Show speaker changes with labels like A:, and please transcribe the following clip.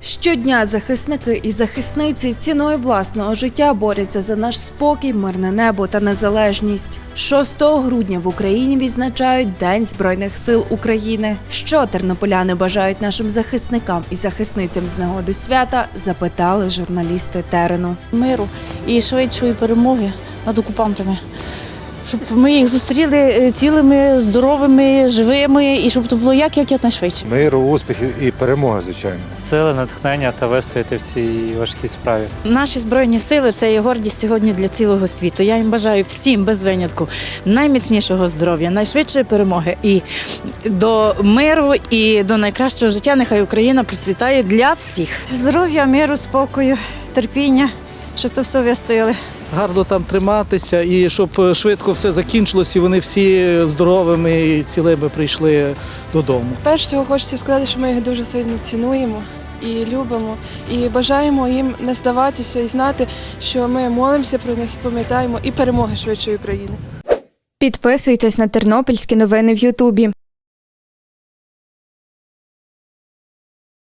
A: Щодня захисники і захисниці ціною власного життя борються за наш спокій, мирне небо та незалежність. 6 грудня в Україні відзначають День Збройних сил України. Що тернополяни бажають нашим захисникам і захисницям з нагоди свята, запитали журналісти терену.
B: Миру і швидшої перемоги над окупантами. Щоб ми їх зустріли цілими, здоровими, живими і щоб це було якнайшвидше.
C: Миру, успіхів і перемоги, звичайно.
D: Сили, натхнення та вистояти в цій важкій справі.
B: Наші Збройні сили – це є гордість сьогодні для цілого світу. Я їм бажаю всім, без винятку, найміцнішого здоров'я, найшвидшої перемоги і до миру, і до найкращого життя. Нехай Україна процвітає для всіх.
E: Здоров'я, миру, спокою, терпіння, щоб то все вистояли.
F: Гарно там триматися і щоб швидко все закінчилось і вони всі здоровими і цілими прийшли додому.
G: Перш всього хочеться сказати, що ми їх дуже сильно цінуємо і любимо, і бажаємо їм не здаватися і знати, що ми молимося про них і пам'ятаємо і перемоги швидшої України.
A: Підписуйтесь на тернопільські новини в Ютубі.